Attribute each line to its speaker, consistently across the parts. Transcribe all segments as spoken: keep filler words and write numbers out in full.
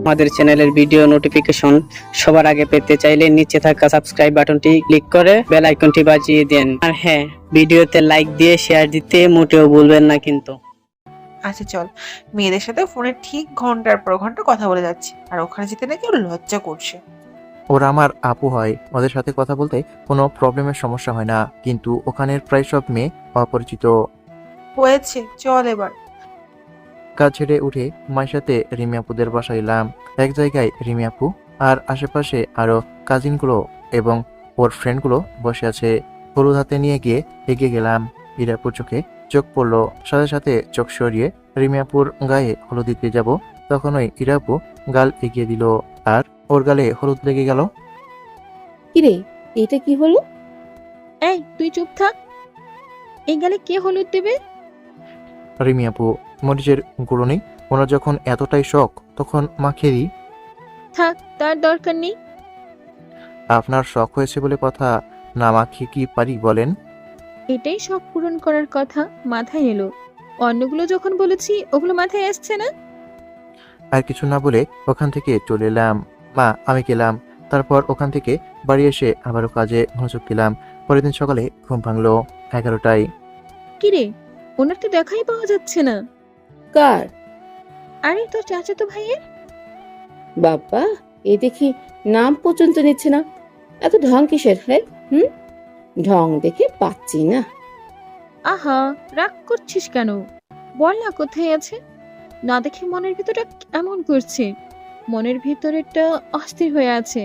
Speaker 1: আমাদের চ্যানেলের video notification সবার আগে পেতে চাইলে নিচে থাকা সাবস্ক্রাইব বাটনটি ক্লিক করে বেল আইকনটি বাজিয়ে দেন। আর হ্যাঁ, ভিডিওতে লাইক দিয়ে শেয়ার দিতে মোটেও ভুলবেন না কিন্তু।
Speaker 2: আচ্ছা চল, মেয়েদের সাথে ফোনে ঠিক ঘন্টার পর ঘন্টা কথা বলে যাচ্ছে, আর ওখানে যেতে নাকি ওর লজ্জা করছে।
Speaker 3: ওরা আমার আপু হয়, ওদের সাথে কথা বলতে কোনো প্রবলেমের সমস্যা হয় না, কিন্তু ওখানের প্রায় সব মেয়ে অপরিচিত।
Speaker 2: হয়েছে, চল এবার।
Speaker 3: কাজ ছেড়ে উঠে মায়ের সাথে রিমি আপুদের বাসায় এলাম। এক জায়গায় রিমি আপু আর আশেপাশে আরো কাজিনগুলো এবং ওর ফ্রেন্ডগুলো বসে আছে। হলুদ হাতে নিয়ে গিয়ে এগিয়ে গেলাম। ইরাপুর চোখে চোখ পড়লো, সাথে সাথে চোখ সরিয়ে রিমি আপুর গায়ে হলুদ দিতে যাব, তখনই ইরাপু গাল এগিয়ে দিল আর ওর গালে হলুদ লেগে গেল।
Speaker 4: কিরে, এটা কি হলো?
Speaker 5: এই তুই চুপ থাক। এই গালে কে হলুদ দেবে?
Speaker 3: রিমি আপু, মরিচের গুঁড়ো নেই, ওনার যখন এতটাই শখ তখন মাখিয়ে দিই।
Speaker 5: থাক, তার দরকার নেই।
Speaker 3: আপনার শখ হয়েছে বলে কথা, না মাখিয়ে কি পারি বলেন?
Speaker 5: এটাই শখ পূরণ করার কথা মাথায় এলো। অন্যগুলো যখন বলেছি ওগুলো মাথায় আসছে না।
Speaker 3: আর কিছু না বলে ওখান থেকে চলে এলাম। মা, আমি গেলাম। তারপর ওখান থেকে বাড়ি এসে আবারও কাজে মনোযোগ দিলাম। পরের দিন সকালে ঘুম ভাঙলো এগারোটায়।
Speaker 5: কিরে, ওনার তো দেখাই পাওয়া যাচ্ছে না।
Speaker 4: কার?
Speaker 5: আরে তোর চাচাতো ভাইয়ের।
Speaker 4: বাবা, এ দেখি নাম পর্যন্ত নিচ্ছে না। এত ঢং কিসের? হ্যাঁ, হুম, ঢং দেখে পাচ্ছি না।
Speaker 5: আহা, রাগ করছিস কেন? বল না কোথায় আছে। না দেখে মনের ভিতরটা এমন করছে। মনের ভিতরেরটা অস্থির হয়ে আছে।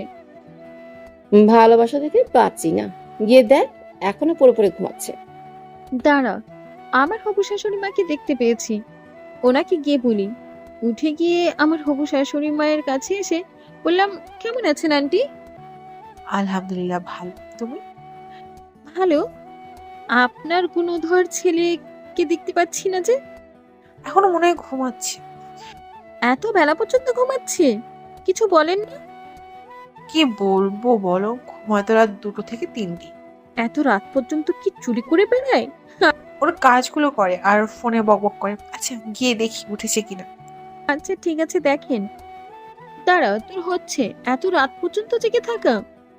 Speaker 4: ভালোবাসা দেখে পাচ্ছি না। গিয়ে দেখ, এখনো পড়ে পড়ে ঘুমাচ্ছে।
Speaker 5: দাঁড়া, আমার হবু শাশুড়ি মাকে দেখতে পেয়েছি। ওনাকে গিয়ে বলি। উঠে গিয়ে আমার হবু শাশুড়ি মায়ের কাছে এসে বললাম, কেমন আছেন আন্টি?
Speaker 2: আলহামদুলিল্লাহ, ভালো। তুমি?
Speaker 5: ভালো। আপনার গুণধর ছেলেকে দেখতে পাচ্ছি না যে।
Speaker 2: এখনো মনে হয় ঘুমাচ্ছে।
Speaker 5: এত বেলা পর্যন্ত ঘুমাচ্ছে, কিছু বলেন না?
Speaker 2: কি বলবো বলো, ঘুমায় তো রাত দুটো থেকে তিনটি।
Speaker 5: এত রাত পর্যন্ত কি চুরি করে বেড়ায়?
Speaker 2: ওর কাজগুলো করে আর ফোনে বকবক করে। আচ্ছা, গিয়ে দেখি উঠেছে কিনা।
Speaker 5: আচ্ছা ঠিক আছে, দেখেন। দাঁড়া, তোর হচ্ছে এত রাত পর্যন্ত জেগে থাকা?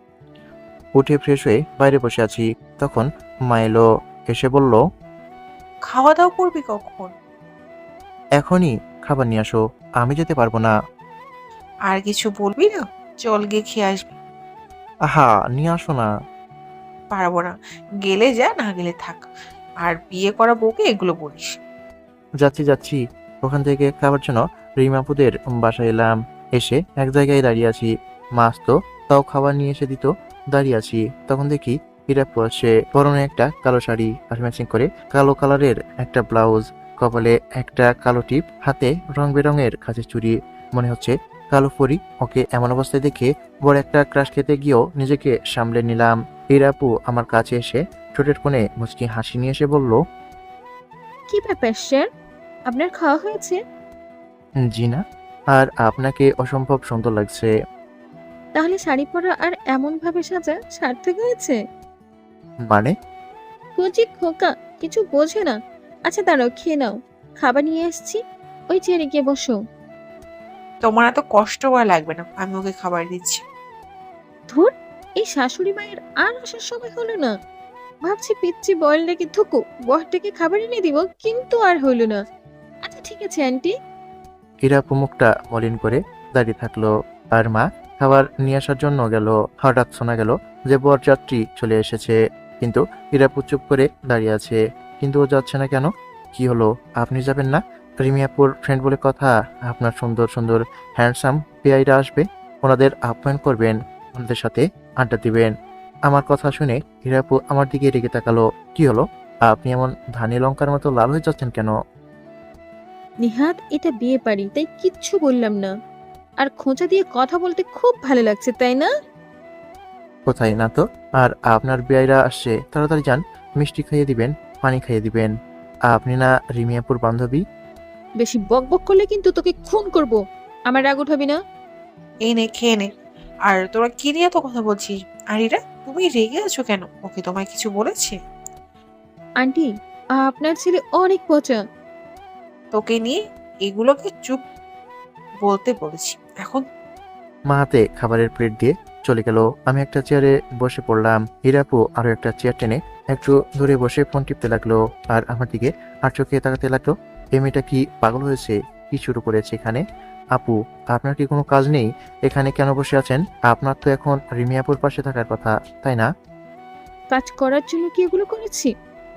Speaker 3: উঠে ফ্রেশ হয়ে বাইরে বসে আছি, তখন মা এলো, এসে বলল,
Speaker 2: খাওয়া দাওয়া করবি কখন?
Speaker 3: এখনই খাবার নিয়ে আসো, আমি যেতে পারবো না।
Speaker 2: আর কিছু বলবি না? চল গিয়ে খেয়ে আসবি।
Speaker 3: আহা, নিয়ে আসো না।
Speaker 2: পারবো না। গেলে যা, না গেলে থাক। আর বিয়ে করা বউকে এগুলো বলিস?
Speaker 3: যাচ্ছি যাচ্ছি। ওখান থেকে খাবার জন্য রিমাপুদের বাসায় এলাম। এসে এক জায়গায় দাঁড়িয়ে আছি। মা আসতো, তাও খাবার নিয়ে এসে দিত। দাঁড়িয়ে আছি, তখন দেখি হিরাপ্পু আসে। পরনে একটা কালো শাড়ি আর ম্যাচিং করে কালো কালারের একটা ব্লাউজ, কপালে একটা কালো টিপ, হাতে রং বেরঙের কাঁচের চুড়ি। মনে হচ্ছে কালো পরি। ওকে এমন অবস্থায় দেখে বড় একটা ক্রাশ খেতে গিয়েও নিজেকে সামলে নিলাম। হিরাপ্পু আমার কাছে এসে ঠোঁটের কোণে মুচকি হাসি নিয়ে এসে বলল,
Speaker 5: কি ব্যাপার স্যার, আপনার খাওয়া হয়েছে?
Speaker 3: জি না, আর আপনাকে অসম্ভব সুন্দর লাগছে।
Speaker 5: তাহলে শাড়ি পরা আর এমন ভাবে সাজা সার্থক হয়েছে।
Speaker 3: মানে?
Speaker 5: কচি খোকা, কিছু বোঝে না। আচ্ছা দাঁড়াও, খেয়ে নাও। খাবার নিয়ে এসেছি, ওই চেয়ারে গিয়ে বসো।
Speaker 2: তোমার এত কষ্ট করা লাগবে না, আমি ওকে খাবার দিচ্ছি।
Speaker 5: ধুর, এই শাশুড়ি মায়ের আর আসার সময় হলো না। ভাবছি পিচ্ছি বয়েল ডেকে থুকু বরটাকে খাবার এনে দিব, কিন্তু আর হলো না। আচ্ছা ঠিক আছে আন্টি।
Speaker 3: হিরাপ্পু মুখটা মলিন করে দাঁড়িয়ে থাকলো, আর মা খাবার নিয়ে আসার জন্য গেল। হঠাৎ শোনা গেল যে বরযাত্রী চলে এসেছে, কিন্তু হিরাপ্পু চুপ করে দাঁড়িয়ে আছে। কিন্তু ও যাচ্ছে না কেন? কি হলো, আপনি যাবেন না? রিমিয়াপুর ফ্রেন্ড বলে কথা, আপনার সুন্দর সুন্দর হ্যান্ডসাম পেয়াইরা আসবে, ওনাদের আপ্যায়ন করবেন, ওনাদের সাথে আড্ডা দিবেন। আমার কথা শুনে হিরাপ্পু আমার দিকে রেগে তাকালো। কি হলো, আপনি এমন ধানি লঙ্কার মতো লাল হয়ে যাচ্ছেন কেন?
Speaker 5: নিহাত, এটা বিয়ে বাড়ি, তাই কিচ্ছু বললাম না। আর খোঁচা দিয়ে কথা বলতে খুব ভালো লাগছে, তাই না?
Speaker 3: কোথায় না তো। আর আপনার বেয়াইরা আসছে, তাড়াতাড়ি যান, মিষ্টি খাইয়ে দিবেন, পানি খাইয়ে দিবেন। আপনি না রিমিয়াপুর বান্ধবী?
Speaker 5: বেশি বক বক করলে কিন্তু তোকে খুন করব। আমার রাগ উঠাবি না।
Speaker 2: এই নে, খেয়ে নে। আর তোরা কি নিয়ে তো কথা বলছিস? আর এরা, তুমি রেগে আছো কেন? ওকে তোমায় কিছু বলেছে?
Speaker 5: আন্টি, আপনার ছেলে অনেক পচা।
Speaker 2: তোকে নিয়ে এগুলোকে চুপ বলতে বলেছি। এখন
Speaker 3: মা হাতে খাবারের প্লেট দিয়ে চলে গেল। আমি একটা চেয়ারে বসে পড়লাম। হিরাপু আরো একটা চেয়ার টেনে একটু দূরে বসে ফোন টিপতে লাগলো আর আমার দিকে আর চোখে তাকাতে লাগলো। এই মেয়েটা কি পাগল হয়েছে? কি শুরু করেছে এখানে? আপু, আপনার কি কোনো কাজ নেই? এখানে কেন বসে আছেন? আপনার তো এখন রিমি আপুর পাশে থাকার কথা, তাই না?
Speaker 5: কাজ করার জন্য কি এগুলো করেছি?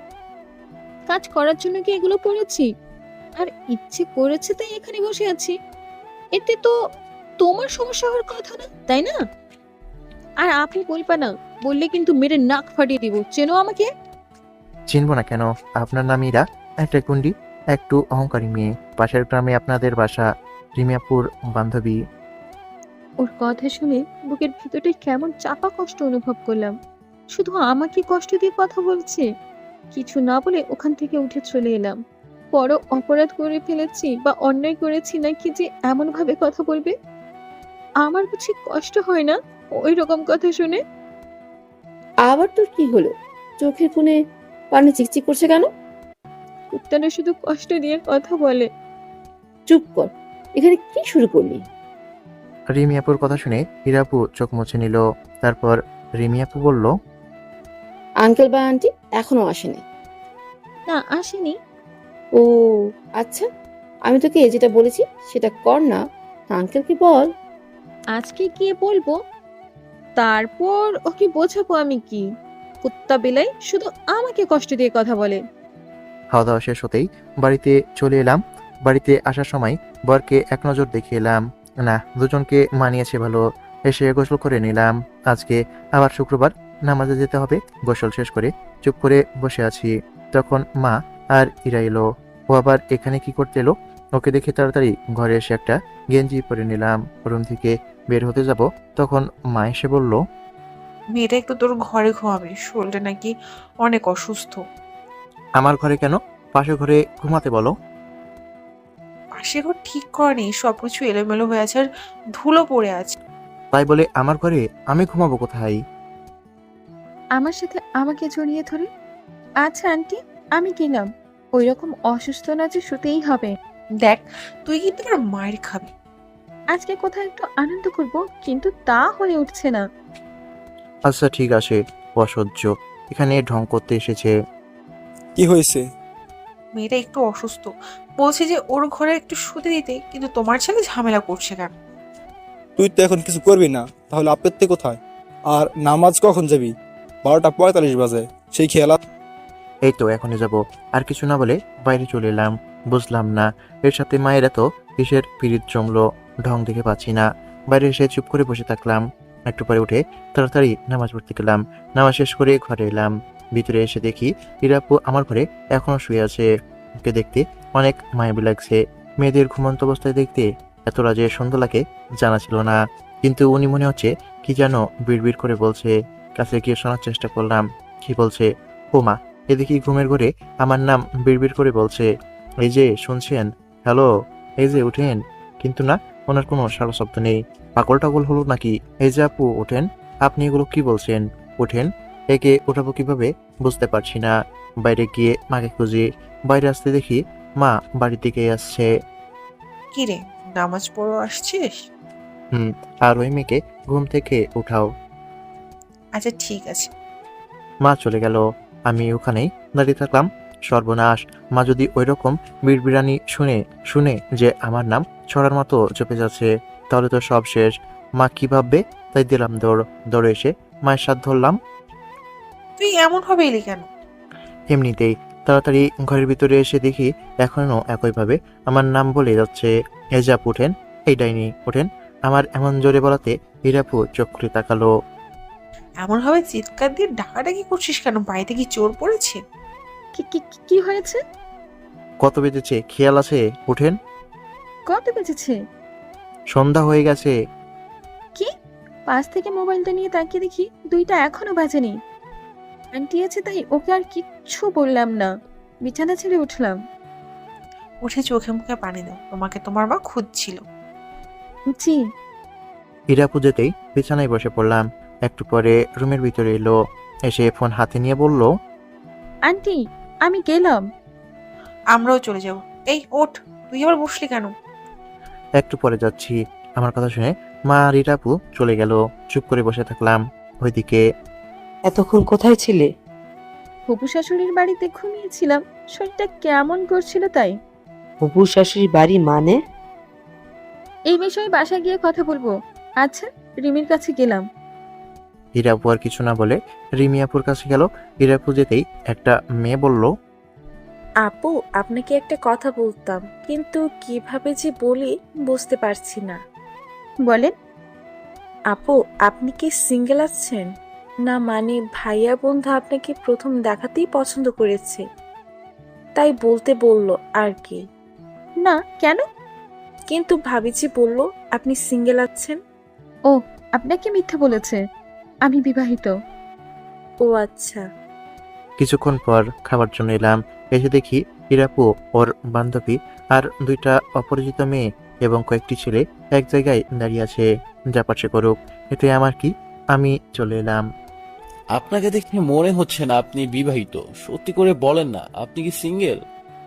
Speaker 5: কাজ করার জন্য কি এগুলো পড়েছি? আর ইচ্ছে করেছে তাই এখানে বসে আছি। এতে তো তোমার সমস্যা হওয়ার কথা না, তাই না? আর আপনি বলবা না, বললে কিন্তু মেরে নাক ফাটিয়ে দিব। চেনো আমাকে?
Speaker 3: চিনব না কেন? আপনার নাম ইরা, একটা গুন্ডি, একটু অহংকারী মেয়ে। পাশের গ্রামে আপনাদের বাসা, রিমি আপুর বান্ধবী।
Speaker 5: ওর কথা শুনে বুকের ভিতরটা কেমন চাপা কষ্ট অনুভব করলাম। শুধু আমাকে কষ্ট দিয়ে কথা বলছে। কিছু না বলে ওখান থেকে উঠে চলে এলাম। বড় অপরাধ করে ফেলেছি বা অন্যায় করেছি নাকি যে এমন ভাবে কথা বলবে? আমার বুঝি কষ্ট হয় না ওই রকম কথা শুনে?
Speaker 4: আবার তোর কি হলো? চোখের কোণে পানি চিকচিক করছে কেন?
Speaker 5: কুত্তাটা শুধু কষ্ট দিয়ে কথা বলে।
Speaker 4: চুপ কর। এখানে কি শুরু করলি?
Speaker 3: রিমি আপুর কথা শুনে হিরাপু চোখ মুছে নিল। তারপর রিমি আপু বলল,
Speaker 4: আঙ্কেল বা আন্টি এখনো আসেনি?
Speaker 5: না, আসেনি।
Speaker 4: ও আচ্ছা, আমি তোকে যেটা বলেছি সেটা কর না। আঙ্কেলকে বল।
Speaker 5: আজকে গিয়ে বলবো, তারপর ওকে বোঝাবো আমি কি। কুত্তা বিলাই শুধু আমাকে কষ্ট দিয়ে কথা বলে।
Speaker 3: খাওয়া দাওয়া শেষ হতেই বাড়িতে চলে এলাম। বাড়িতে আসার সময় বরকে এক নজর দেখে এলাম। না, দুজনকে মানিয়েছে ভালো। এসে গোসল করে নিলাম। আজকে আবার শুক্রবার, নামাজে যেতে হবে। গোসল শেষ করে চুপ করে বসে আছি। তখন মা আর ইরা এলো। ও আবার এখানে কি করতে এলো? ওকে দেখে তাড়াতাড়ি ঘরে এসে একটা গেঞ্জি পরে নিলাম। রুম থেকে বের হতে যাব, তখন মা এসে বলল,
Speaker 2: মেয়েটা একটু তোর ঘরে ঘুমাবে, শরীরটা নাকি অনেক অসুস্থ।
Speaker 3: আমার ঘরে কেন? পাশের ঘরে ঘুমাতে বলো।
Speaker 2: পাশে ঘর ঠিক করেনি, সবকিছু এলোমেলো হয়ে আছে আর ধুলো পড়ে আছে।
Speaker 3: তাই বলে আমার ঘরে আমি ঘুমাবো কোথায়?
Speaker 5: আমার সাথে আমাকে জড়িয়ে ধরে, আচ্ছা আন্টি, আমি গেলাম। ওই রকম অসুস্থ না যে শুতেই হবে।
Speaker 2: দেখ, তুই কিন্তু আমার মায়ের খাবি।
Speaker 5: আজকে কোথাও একটু আনন্দ করব, কিন্তু তা হয়ে উঠছে না।
Speaker 3: আচ্ছা ঠিক আছে, অসহ্য। এখানে ঢং করতে এসেছে।
Speaker 6: কি হয়েছে?
Speaker 2: মেয়েটা একটু অসুস্থ, বলছে যে ওর ঘরে একটু শুতে দিতে, কিন্তু তোমার ছেলে ঝামেলা করছে কেন?
Speaker 6: তুই তো এখন কিছু করবি না, তাহলে আপত্তি কোথায়? আর নামাজ কখন যাবি? বারোটা পঁয়তাল্লিশ বাজে, সেই খেয়াল আছে?
Speaker 3: এই তো এখনই যাব। আর কিছু না বলে বাইরে চলে এলাম। বুঝলাম না এর সাথে মায়ের এত কিসের পিরিত জমলো। ঢং দেখে পাচ্ছি না। বাইরে এসে চুপ করে বসে থাকলাম। একটু পরে উঠে তাড়াতাড়ি নামাজ পড়তে গেলাম। নামাজ শেষ করে ঘরে এলাম। ভিতরে এসে দেখি হিরাপু আমার ঘরে এখনো শুয়ে আছে। ওকে দেখতে অনেক মায়াবী লাগছে। মেয়েদের ঘুমন্ত অবস্থায় দেখতে এতটা যে সুন্দর লাগে জানা ছিল না। কিন্তু উনি মনে হচ্ছে কি যেন বিড়বিড় করে বলছে। কাছে গিয়ে শোনার চেষ্টা করলাম কি বলছে। ও মা, এদিকে ঘুমের ঘরে আমার নাম বিড়বিড় করে বলছে। এই যে শুনছেন, হ্যালো, এই যে উঠেন। কিন্তু না, ওনার কোনো সারা শব্দ নেই। পাগল টাগল হলো নাকি? এই যে আপু ওঠেন, আপনি এগুলো কি বলছেন? ওঠেন। একে ওঠাবো কিভাবে বুঝতে পারছি না। বাইরে গিয়ে মাকে খুঁজি। বাইরে আসতে দেখি মা বাড়ির দিকে আসছে।
Speaker 2: কি রে, নামাজ পড়ো আসছিস?
Speaker 3: হুম, আর ওই মেয়েকে ঘুম থেকে উঠাও।
Speaker 2: আচ্ছা ঠিক আছে।
Speaker 3: মা চলে গেল। আমি ওখানেই দাঁড়িয়ে থাকলাম। সর্বনাশ, মা যদি ওই রকম বিড়বিড়ানি শুনে শুনে যে আমার নাম ছড়ার মতো চপে যাচ্ছে, তাহলে তো সব শেষ। মা কি ভাববে? তাই দিলাম দৌড়। দৌড়ে এসে মায়ের সাথ ধরলাম।
Speaker 2: তুই এমন ভাবে এলি কেন?
Speaker 3: এমনিতেই তাড়াতাড়ি ঘরের ভিতরে এসে দেখি এখনো একইভাবে আমার নাম বলে যাচ্ছে। এজাপ উঠেন, এই ডাইনি ওঠেন। আমার এমন জোরে বলাতে হিরাপু চোখ খুলে তাকালো।
Speaker 2: এমন ভাবে চিৎকার দিয়ে ডাকাডাকি করছিস কেন? বাড়িতে কি চোর পড়েছে?
Speaker 5: কি কি কি- কি হয়েছে?
Speaker 3: কত বেজেছে খেয়াল আছে? উঠেন।
Speaker 5: কত বেজেছে?
Speaker 3: সন্ধ্যা হয়ে গেছে।
Speaker 5: কি? পাশ থেকে মোবাইলটা নিয়ে তাকিয়ে দেখি দুইটা এখনো বাজেনি। আন্টি আছে তাই ওকে আর কিচ্ছু বললাম না। বিছানা ছেড়ে উঠলাম।
Speaker 2: উঠে চোখে মুখে পানি দাও, তোমাকে তোমার মা খুঁজছিল।
Speaker 5: জি।
Speaker 3: হিরাপু যেতেই বিছানায় বসে পড়লাম। একটু পরে রুমের ভিতরে এলো। এসে ফোন হাতে নিয়ে বলল,
Speaker 5: আন্টি, আমি গেলাম।
Speaker 2: আমরাও চলে যাব। এই ওঠ, তুই আবার বসলি কেন?
Speaker 3: একটু পরে যাচ্ছি। আমার কথা শুনে মা রিটাপু চলে গেল। চুপ করে বসে থাকলাম। ওইদিকে
Speaker 7: এতক্ষণ কোথায় ছিলে?
Speaker 5: হবু শাশুড়ির বাড়িতে ঘুমিয়েছিলাম, শরীরটা কেমন করছিল তাই।
Speaker 7: হবু শাশুড়ির বাড়ি মানে?
Speaker 5: এই বিষয়ে বাসায় গিয়ে কথা বলবো। আচ্ছা, রিমির কাছে গেলাম।
Speaker 3: হিরাপু আর কিছু না বলে রিমিয়াপুর কাছে গেল। হিরাপু যেতেই একটা মেয়ে বলল,
Speaker 8: আপু, আপনাকে একটা কথা বলতাম, কিন্তু কিভাবে যে বলি বুঝতে পারছি না।
Speaker 5: বলেন।
Speaker 8: আপু, আপনি কি সিঙ্গেল আছেন? না মানে ভাইয়া বন্ধু আপনাকে প্রথম দেখাতেই পছন্দ করেছে, তাই বলতে বলল আর কি।
Speaker 5: না, কেন?
Speaker 8: কিন্তু ভাবি যে বলল আপনি সিঙ্গেল আছেন।
Speaker 5: ও, আপনাকে মিথ্যে বলেছে। আমি বিবাহিত।
Speaker 8: ও আচ্ছা।
Speaker 3: কিছুক্ষণ পর খাবার জন্য এলাম। এসে দেখি হিরাপু, ওর বান্ধবী আর দুইটা অপরিচিত মেয়ে এবং কয়েকটি ছেলে এক জায়গায় দাঁড়িয়ে আছে। যা পারছে করুক, এতে আমার কি? আমি চলে এলাম।
Speaker 9: আপনাকে দেখে মনে হচ্ছে না আপনি বিবাহিত। সত্যি করে বলেন না, আপনি কি সিঙ্গেল?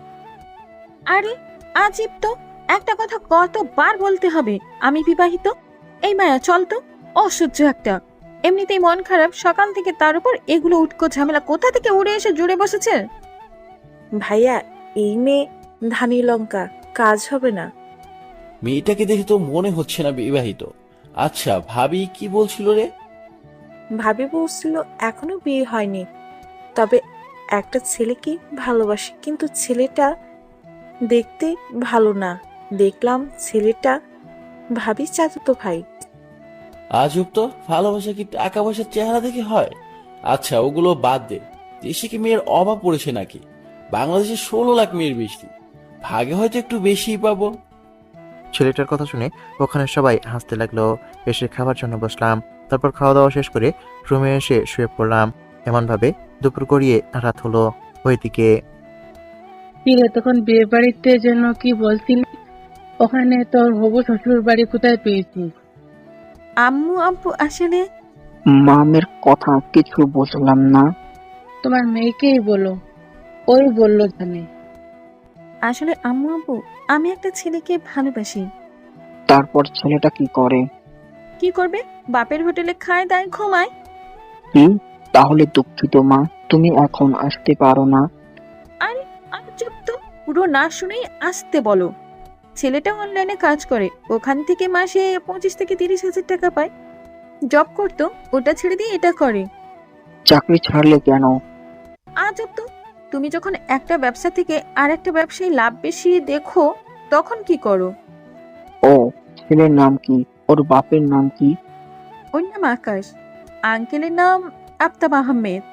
Speaker 5: আরে আজীব তো, একটা কথা কতবার বলতে হবে আমি বিবাহিত? এই মায়া, চল তো। অসহ্য একটা। এমনিতেই মন খারাপ, সকাল থেকে তার উপর এগুলো উটকো ঝামেলা কোথা থেকে উড়ে এসে জুড়ে বসেছে।
Speaker 8: ভাইয়া, এই মেয়ে ধানি লঙ্কা, কাজ হবে না।
Speaker 9: মেয়েটাকে দেখে তো মনে হচ্ছে না বিবাহিত। আচ্ছা, ভাবি কি বলছিল রে?
Speaker 8: ভাবি বলছিল এখনো বিয়ে হয়নি, তবে একটা ছেলেকে ভালোবাসে, কিন্তু ছেলেটা দেখতে ভালো না। দেখলাম ছেলেটা ভাবি চাচাতো ভাই।
Speaker 9: আজব তো, ভালোবাসা কি টাকা পয়সার চেহারা দেখে হয়? আচ্ছা, ওগুলো বাদ দে। দেশে কি মেয়ের অভাব পড়েছে নাকি? বাংলাদেশে ষোলো লাখ মেয়ের বেশি, ভাগে হয়তো একটু বেশিই পাবো।
Speaker 3: ছেলেটার কথা শুনে ওখানে সবাই হাসতে লাগলো। এসে খাবার জন্য বসলাম। তারপর খাওয়া দাওয়া শেষ করে রুমে এসে শুয়ে পড়লাম। এমন ভাবে দুপুর গড়িয়ে রাত হলো। ওইদিকে
Speaker 10: কিরে, তখন বিয়ে বাড়িতে যেন কি বলছিলি? ওখানে তোর হবু শ্বশুর বাড়ি কোথায় পেয়েছিস?
Speaker 5: আম্মু আব্বু আসলে
Speaker 1: মামের কথা কিছু বুঝলাম না।
Speaker 10: তোমার মেয়েকেই বলো, ওই বললো জানে।
Speaker 5: আসলে আম্মু আব্বু, আমি একটা ছেলেকে ভালোবাসি।
Speaker 1: তারপর ছেলেটা কি করে?
Speaker 5: কি করবে? বাপের হোটেলে খায় দায় ঘুমায়।
Speaker 1: কি? তাহলে দুঃখিত মা, তুমি এখন আসতে পারো না।
Speaker 5: আরে আর চুপ তো, পুরো না শুনেই আসতে বলো। ছেলেটা অনলাইনে কাজ করে, ওখান থেকে মাসে পঁচিশ থেকে তিরিশ হাজার টাকা পায়। জব করতো, ওটা ছেড়ে দিয়ে এটা করে।
Speaker 1: চাকরি ছাড়লে কেন?
Speaker 5: আজব তো, তুমি যখন একটা ব্যবসা থেকে আর একটা ব্যবসায় লাভ বেশি দেখো, তখন কি করো?
Speaker 1: ও, ছেলের নাম কি? ওর বাপের নাম কি?
Speaker 5: ওর নাম আকাশ, আঙ্কেলের নাম আফতাব আহমেদ,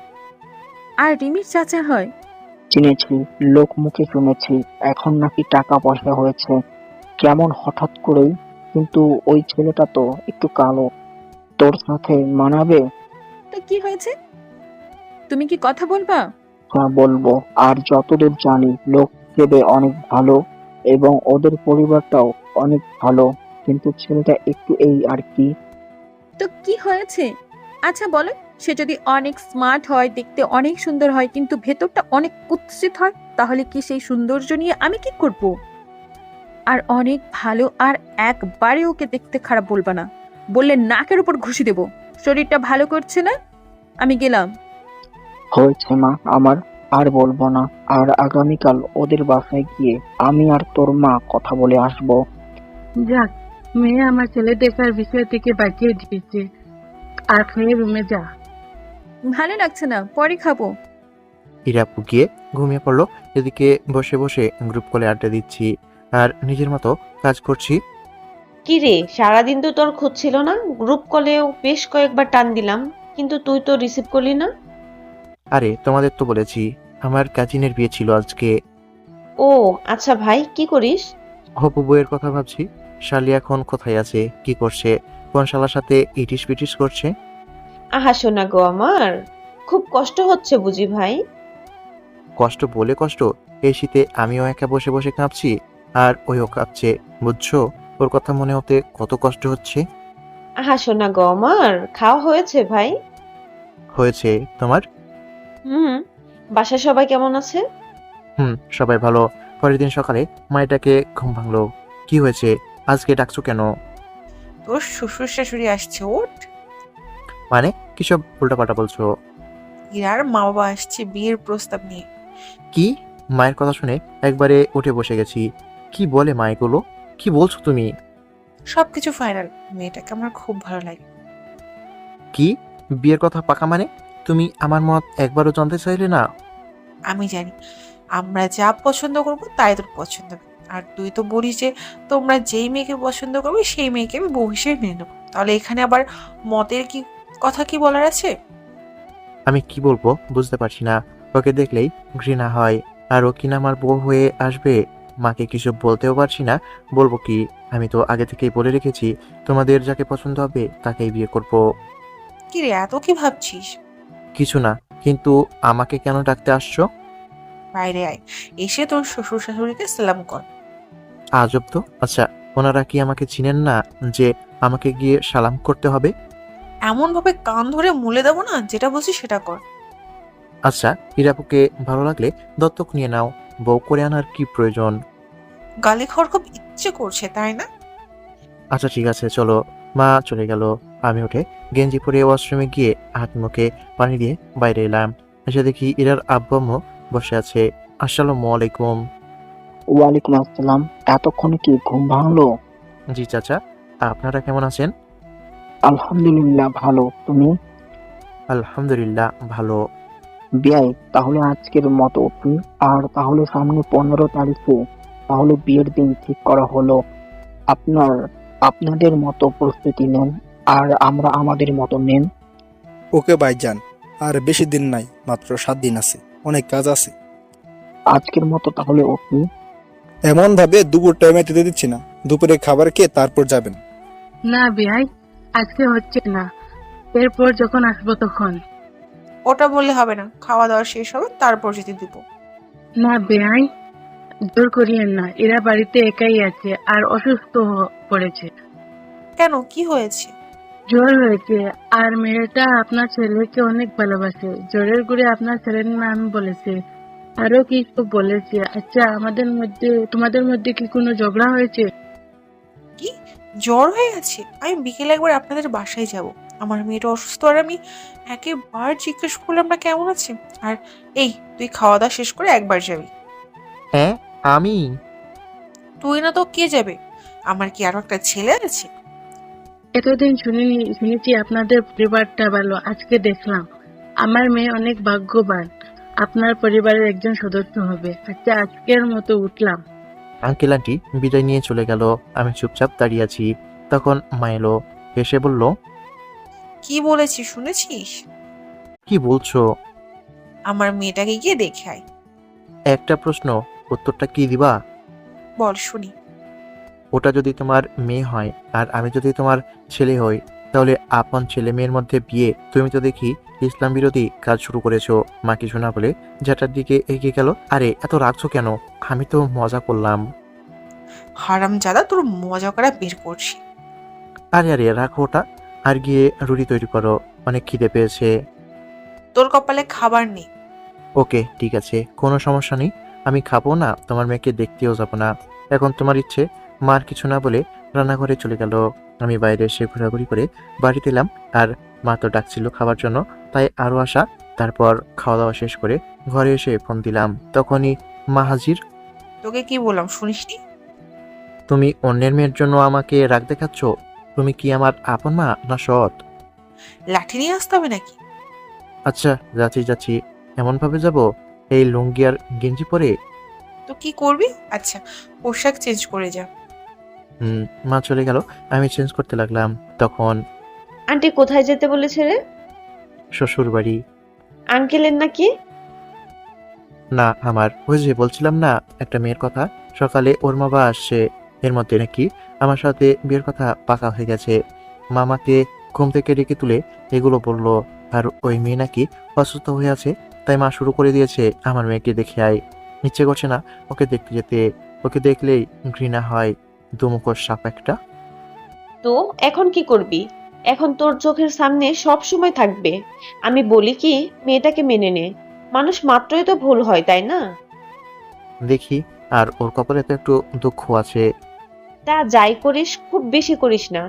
Speaker 5: আর রিমির চাচা হয়।
Speaker 1: চিনেছি, লোক মুখে শুনেছি। এখন নাকি টাকা পয়সা হয়েছে। কেমন হঠাৎ করেই? কিন্তু ওই ছেলেটা তো একটু কালো, তোর সাথে মানাবে?
Speaker 5: তো কি হয়েছে? তুমি কি কথা বলবা?
Speaker 1: হ্যাঁ বলবো। আর যতদূর জানি লোক হিসেবে অনেক ভালো এবং ওদের পরিবারটাও অনেক ভালো, কিন্তু ছেলেটা একটু এই আর কি।
Speaker 5: তো কি হয়েছে? আচ্ছা বলো, সে যদি অনেক স্মার্ট হয়, দেখতে অনেক সুন্দর হয়, কিন্তু ভেতরটা অনেক কুৎসিত হয়, তাহলে কি সেই সৌন্দর্য নিয়ে আমি কি করব? আর অনেক ভালো, আর একবারে ওকে দেখতে খারাপ বলবা না, বললে নাকের উপর ঘুষি দেব। শরীরটা ভালো করছে না, আমি গেলাম।
Speaker 1: হয়েছে মা আমার, আর বলবো না। আর আগামীকাল ওদের বাসায় গিয়ে আমি আর তোর মা কথা বলে আসবো।
Speaker 10: যাক, মেয়ে আমার ছেলে দেখার বিষয় থেকে বাঁচিয়ে দিয়েছে। আর খেয়ে রুমে যা।
Speaker 5: ভালো লাগছে না, পরে খাবো।
Speaker 3: হিরাপু গিয়ে ঘুমিয়ে পড়লো। এদিকে বসে বসে গ্রুপ কলে আড্ডা দিচ্ছি আর নিজের মতো কাজ করছি।
Speaker 11: কি রে, সারাদিন তো তোর খোঁজ ছিল না। গ্রুপ কলেও বেশ কয়েকবার টান দিলাম, কিন্তু তুই তো রিসিভ করলি না।
Speaker 3: আরে তোমাদের তো বলেছি আমার কাজিনের বিয়ে ছিল আজকে।
Speaker 11: ও আচ্ছা ভাই, কি করিস?
Speaker 3: হবু বউয়ের কথা ভাবছি। শালি এখন কোথায় আছে, কি করছে, কোন শালার সাথে ইটিস পিটিস করছে?
Speaker 11: আহা শোনা গো আমার, খুব কষ্ট হচ্ছে বুঝি ভাই?
Speaker 3: কষ্ট বলে কষ্ট, এই শীতে আমিও একা বসে বসে কাঁপছি আর ওইও কাঁপছে, বুঝছো? ওর কথা মনে হতে কত কষ্ট হচ্ছে।
Speaker 11: আহা শোনা গো আমার, খাওয়া হয়েছে ভাই?
Speaker 3: হয়েছে, তোমার?
Speaker 11: হুম। বাসায় সবাই কেমন আছে?
Speaker 3: হুম, সবাই ভালো। পরের দিন সকালে মায়েটাকে ঘুম ভাঙলো। কি হয়েছে, আজকে ডাকছো কেন?
Speaker 2: তোর শ্বশুর শাশুড়ি আসছে, ওঠ।
Speaker 3: মানে কিসব উল্টাপাল্টা বলছো?
Speaker 2: ইরার মা বাবা আসছে বিয়ের প্রস্তাব নিয়ে।
Speaker 3: কি? মায়ের কথা শুনে একবারে উঠে বসে গেছি। কি বলে মা এগুলো? কি বলছো তুমি?
Speaker 2: সবকিছু ফাইনাল, মেয়েটাকে আমার খুব ভালো লাগে।
Speaker 3: কি বিয়ের কথা পাকা মানে? তুমি আমার মত একবারও জানতে চাইলে না?
Speaker 2: আমি জানি আমরা যা পছন্দ করব তাই তোর পছন্দ হবে। আর তুই তো বলিস যে তোমরা যেই মেয়েকে পছন্দ করবে সেই মেয়েকে আমি বউ হিসেবে মেনে নেবো। তাহলে এখানে আবার মতের কি কথা কি বলার আছে?
Speaker 3: আমি কি বলবো বুঝতে পারছি না। ওকে দেখলেই ঘৃণা হয়। আর ও কিনা আমার বউ হয়ে আসবে। মাকে কিছু বলতেও পারছি না। বলবো কি? আমি তো আগে থেকেই বলে রেখেছি তোমাদের যাকে পছন্দ হবে তাকেই বিয়ে করব।
Speaker 2: কি রে, এত কি ভাবছিস?
Speaker 3: কিছু না, কিন্তু আমাকে কেন ডাকতে আসছো?
Speaker 2: বাইরে আয়, এসে তোর শ্বশুর শাশুড়িকে সালাম কর।
Speaker 3: আজব তো। আচ্ছা, ওনারা কি আমাকে চিনেন না যে আমাকে গিয়ে সালাম করতে হবে?
Speaker 2: এমন ভাবে কান ধরে মুলে দেবো না, যেটা বলছি সেটা কর।
Speaker 3: আচ্ছা, হিরাপুকে ভালো লাগলে দত্তক নিয়ে নাও। বউ করে আনার কি প্রয়োজন?
Speaker 2: গালি খাওয়ার খুব ইচ্ছে করছে, তাই না?
Speaker 3: আচ্ছা ঠিক আছে, চলো। মা চলে গেল। আমি উঠে গেঞ্জি পরে ওয়াশরুমে গিয়ে হাত মুখে পানি দিয়ে বাইরে এলাম। এসে দেখি ইরার আব্বু আম্মু বসে আছে। আসসালামু আলাইকুম।
Speaker 1: ওয়ালাইকুম আসসালাম। এতক্ষণে কি ঘুম ভাঙলো?
Speaker 3: জি চাচা, আপনারা কেমন আছেন?
Speaker 1: আলহামদুলিল্লাহ ভালো। তুমি?
Speaker 3: আলহামদুলিল্লাহ ভালো।
Speaker 1: বিয়াই, তাহলে আজকের মতো উঠি। আর তাহলে সামনে পনেরো তারিখে তাহলে বিয়ের দিন ঠিক করা হলো। আপনার আপনাদের মতো প্রস্তুতি নেন, আর আমরা আমাদের মতো নেন।
Speaker 6: ওকে ভাইজান, আর বেশি দিন নাই, মাত্র সাত দিন আছে, অনেক কাজ আছে।
Speaker 1: আজকের মতো তাহলে উঠি।
Speaker 6: এমন ভাবে দুপুর টাইমে দিতে দিচ্ছি না, দুপুরে খাবার খেয়ে তারপর যাবেন।
Speaker 10: না বিয়াই, আজকে হচ্ছে না, এরপর যখন আসবো তখন।
Speaker 2: ওটা বললে হবে না, খাওয়া দাওয়া শেষ হবে তারপর যেতে দিব।
Speaker 10: না বিয়াই, জোর করিয়েন না। এরা বাড়িতে একাই আছে আর অসুস্থ হ- পড়েছে।
Speaker 2: কেন, কি হয়েছে?
Speaker 10: জ্বর হয়েছে। আর মেয়েটা আপনার ছেলেকে অনেক ভালোবাসে। জ্বরের গুড়ে আপনার ছেলের নাম বলেছে, আরো কি সব বলেছে। আচ্ছা, আমাদের মধ্যে তোমাদের মধ্যে কি কোনো ঝগড়া হয়েছে?
Speaker 2: কি, জ্বর হয়ে গেছে? আমি বিকেলে একবার আপনাদের বাসায় যাব। আমার মেয়েটা অসুস্থ, আর আমি একেবার জিজ্ঞেস করলাম না কেমন আছে। আর এই, তুই খাওয়া দাওয়া শেষ করে একবার যাবি।
Speaker 3: হ্যাঁ, আমি?
Speaker 2: তুই না তো কে যাবে? আমার কি আরো একটা ছেলে আছে?
Speaker 10: এতদিন শুনিনি, শুনেছি আপনাদের পরিবারটা ভালো। আজকে দেখলাম আমার মেয়ে অনেক ভাগ্যবান, আপনার পরিবারের একজন সদস্য হবে। আচ্ছা, আজকের মতো উঠলাম।
Speaker 3: আঙ্কেল আন্টি বিদায় নিয়ে চলে গেল। আমি চুপচাপ দাঁড়িয়ে আছি। তখন মা এলো, এসে বলল,
Speaker 2: কি বলেছি শুনেছিস?
Speaker 3: কি বলছো?
Speaker 2: আমার মেয়েটাকে গিয়ে দেখে আয়।
Speaker 3: একটা প্রশ্ন, উত্তরটা কি দিবা?
Speaker 2: বল শুনি।
Speaker 3: ওটা যদি তোমার মেয়ে হয় আর আমি যদি তোমার ছেলে হই, তাহলে আপন ছেলে মেয়ের মধ্যে বিয়ে? তুমি তো দেখি ইসলাম বিরোধী কাজ শুরু করেছো। মা কিছু না বলে যেটার দিকে এগিয়ে গেল। আরে এত রাখছো কেন? আমি তো মজা করলাম।
Speaker 2: হারাম জাদা, তোর মজা করা বের করছি।
Speaker 3: আরে আরে রাখো ওটা, আর গিয়ে রুটি তৈরি করো, অনেক খিদে পেয়েছে।
Speaker 2: তোর কপালে খাবার নেই।
Speaker 3: ওকে ঠিক আছে, কোনো সমস্যা নেই। আমি খাবো না, তোমার মেয়েকে দেখতেও যাবো না। এখন তোমার ইচ্ছে। মার কিছু না বলে রান্নাঘরে চলে গেল। আমি বাইরে এসে ঘোরাঘুরি করে বাড়িতে এলাম। আর মা তো ডাকছিল খাবার জন্য, তাই আরও আসা। তারপর খাওয়া দাওয়া শেষ করে ঘরে এসে ফোন দিলাম, তখনই মা হাজির।
Speaker 2: তোকে কি বললাম শুনিসনি?
Speaker 3: তুমি অন্যের মেয়ের জন্য আমাকে রাগ দেখাচ্ছ? তুমি কি আমার আপন মা না সৎ?
Speaker 2: লাঠি নিয়ে আসতে হবে নাকি?
Speaker 3: আচ্ছা যাচ্ছি যাচ্ছি। এমন ভাবে যাব এই লুঙ্গি আর গেঞ্জি পরে?
Speaker 2: তো কি করবি? আচ্ছা, পোশাক চেঞ্জ করে যা।
Speaker 3: হুম মা চলে গেল। আমি চেঞ্জ করতে লাগলাম। তখন
Speaker 11: আন্টি কোথায় যেতে বলেছে রে?
Speaker 3: শ্বশুর বাড়ি।
Speaker 11: আঙ্কেলের নাকি?
Speaker 3: না আমার, ওই যে বলছিলাম না একটা মেয়ের কথা, সকালে ওর বাবা আসছে। এর মধ্যে নাকি আমার সাথে বিয়ের কথা পাকা হয়ে গেছে। মামাকে ঘুম থেকে ডেকে তুলে এগুলো বললো। আর ওই মেয়ে নাকি অসুস্থ হয়ে আছে, তাই মা শুরু করে দিয়েছে আমার মেয়েকে দেখে আয়। ইচ্ছে করছে না ওকে দেখতে যেতে। ওকে দেখলেই ঘৃণা হয়। দুমুখোর সাপ একটা।
Speaker 11: তো এখন কি করবি? এখন তোর চোখের সামনে সব সময় থাকবে। আমি বলি কি, মেয়েটাকে মেনে নে। মানুষ মাত্রই তো ভুল হয়, তাই না?
Speaker 3: দেখি, আর ওর কপালে তো একটু দুঃখ আছে।
Speaker 11: তা যাই করিস খুব বেশি করিস না।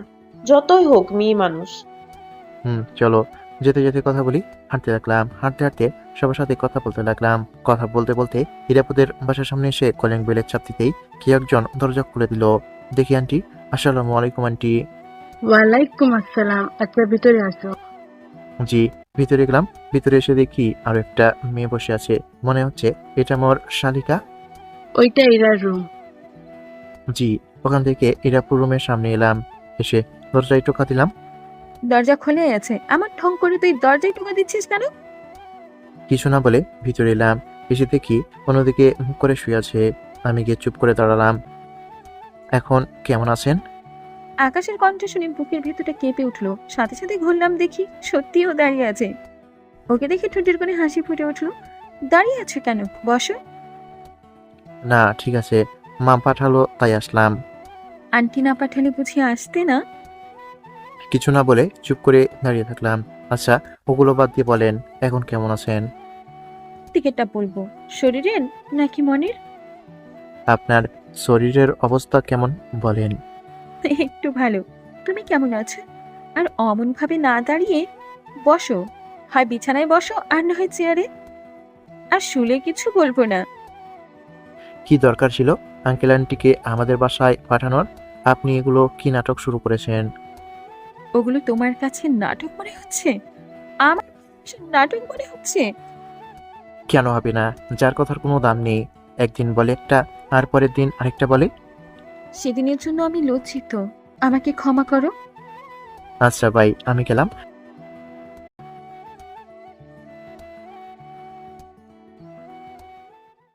Speaker 11: যতই হোক মেয়ে মানুষ।
Speaker 3: হুম চলো। যেতে যেতে কথা বলি। হাঁটতে লাগলাম, হাঁটতে হাঁটতে সবার সাথে কথা বলতে লাগলাম। কথা বলতে বলতে হিরাপুদের বাসার সামনে এসে কলিং বেলের চাপ দিতেই কি একজন দরজা খুলে দিল। দেখি আন্টি। আসসালামু আলাইকুম আন্টি।
Speaker 10: ওয়ালাইকুম আসসালাম। আচ্ছা, ভিতরে আসো।
Speaker 3: জি। ভিতরে গেলাম। ভিতরে এসে দেখি আরো একটা মেয়ে বসে আছে। মনে হচ্ছে এটা মোর শালিকা।
Speaker 10: ওইটা ইরার রুম।
Speaker 3: জি। ওখান থেকে হিরাপুর রুমের সামনে এলাম। এসে দরজায় টোকা দিলাম।
Speaker 5: দরজা খোলে আছে, আমার ঠং করে তুই দরজায় টোকা দিচ্ছিস কেন?
Speaker 3: কিছু না বলে ভিতরে এলাম। এসে দেখি অন্যদিকে মুখ করে শুয়ে আছে। আমি গিয়ে চুপ করে দাঁড়ালাম। এখন কেমন আছেন?
Speaker 5: আকাশের কণ্ঠ শুনে বুকের ভেতরটা কেঁপে উঠলো। সাথে সাথে ঘুরলাম, দেখি সত্যিও দাঁড়িয়ে আছে। ওকে দেখে ঠোঁটের কোণে হাসি ফুটে উঠলো। দাঁড়িয়ে আছে কেন? বসো।
Speaker 3: না ঠিক আছে, মা পাঠালো তাই আসলাম।
Speaker 5: আন্টি না পাঠালে বুঝি আসতে না?
Speaker 3: কিছু না বলে চুপ করে দাঁড়িয়ে থাকলাম। আচ্ছা ওগুলো বাদ দিয়ে বলেন এখন কেমন আছেন?
Speaker 5: টিকেটটা বলবো, শরীরের নাকি মনের?
Speaker 3: আপনার শরীরের অবস্থা কেমন বলেন?
Speaker 5: একটু ভালো। তুমি কেমন আছো? আর অমন ভাবে না দাঁড়িয়ে বসো। হয় বিছানায় বসো, আর না হয় চেয়ারে। আর শুলে কিছু বলবো না।
Speaker 3: কি দরকার ছিল আঙ্কেল আন্টিকে আমাদের বাসায় পাঠানোর? আপনি এগুলো কি নাটক শুরু করেছেন?
Speaker 5: ওগুলো তোমার কাছে নাটক মনে হচ্ছে? আমার কাছে নাটক মনে হচ্ছে?
Speaker 3: কেন হবে না? যার কথার কোনো দাম নেই। একদিন বলে একটা আর পরের দিন আরেকটা বলে।
Speaker 5: সেদিনের জন্য আমি লজ্জিত, আমাকে ক্ষমা করো।
Speaker 3: আচ্ছা ভাই আমি গেলাম।